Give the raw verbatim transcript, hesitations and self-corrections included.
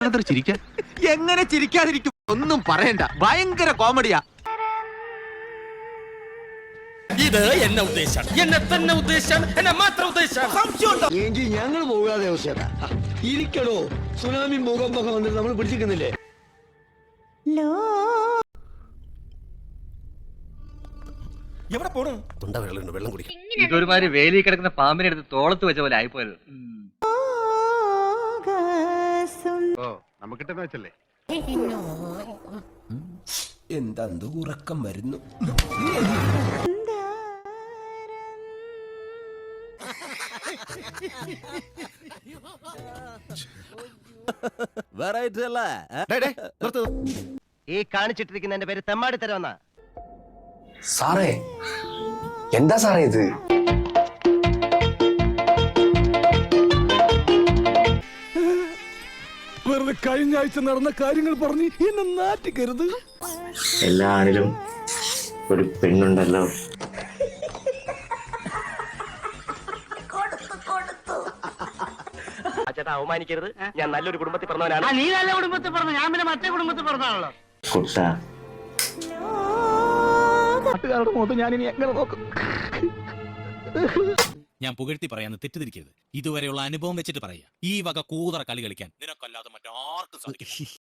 എങ്ങനെ ചിരിക്കാതിരിക്കും? ഒന്നും പറയണ്ട, ഭയങ്കര കോമഡിയാ. ഇത് എന്നെ ഉദ്ദേശം, എന്നെ തന്നെ ഉദ്ദേശം, എന്നെ മാത്രം ഉദ്ദേശം. എങ്കിൽ ഞങ്ങൾ പോകാതെ അവസ്ഥ ഇരിക്കണോ? സുനാമി ഭൂകമ്പൊക്കെ വന്നിട്ട് നമ്മൾ പിടിച്ചിരിക്കുന്നില്ലേ? എവിടെ പോണു? വെള്ളം കുടിക്കും. ഇതൊരുമാതിരി വേലി കിടക്കുന്ന പാമ്പിനെ എടുത്ത് തോളത്ത് വെച്ച പോലെ ആയിപ്പോയത്. ഓ നമുക്കിട്ടെന്ന് വെച്ചല്ലേ. എന്താ ഉറക്കം വരുന്നു? ഈ കാണിച്ചിട്ടിരിക്കുന്ന എന്റെ പേര് തെമ്മാടി തരവെന്നാ. സാറേ, എന്താ സാറേ ഇത്? വെറുതെ കഴിഞ്ഞ ആഴ്ച നടന്ന കാര്യങ്ങൾ പറഞ്ഞ് എന്നെ നാറ്റിക്കരുത്. എല്ലാ ആണിലും ഒരു പെണ്ണുണ്ടല്ലോ. ചേട്ടാ അവമാനിക്കരുത്, ഞാൻ നല്ലൊരു കുടുംബത്തിൽ പറഞ്ഞവനാണ്. നീ നല്ല കുടുംബത്തിൽ പറഞ്ഞു, ഞാൻ പിന്നെ മറ്റേ കുടുംബത്തിൽ പറഞ്ഞാണല്ലോ. കുട്ട നാട്ടുകാരുടെ മുഖത്ത് ഞാൻ ഇനി എങ്ങനെ നോക്കും? ഞാൻ പുകഴ്ത്തി പറയാന്ന് തെറ്റിദ്ധരിക്കരുത്. ഇതുവരെയുള്ള അനുഭവം വെച്ചിട്ട് പറയാ, ഈ വക കൂതറ കളി കളിക്കാൻ നിനക്കല്ലാതെ മറ്റാർക്കും സാധിക്കും.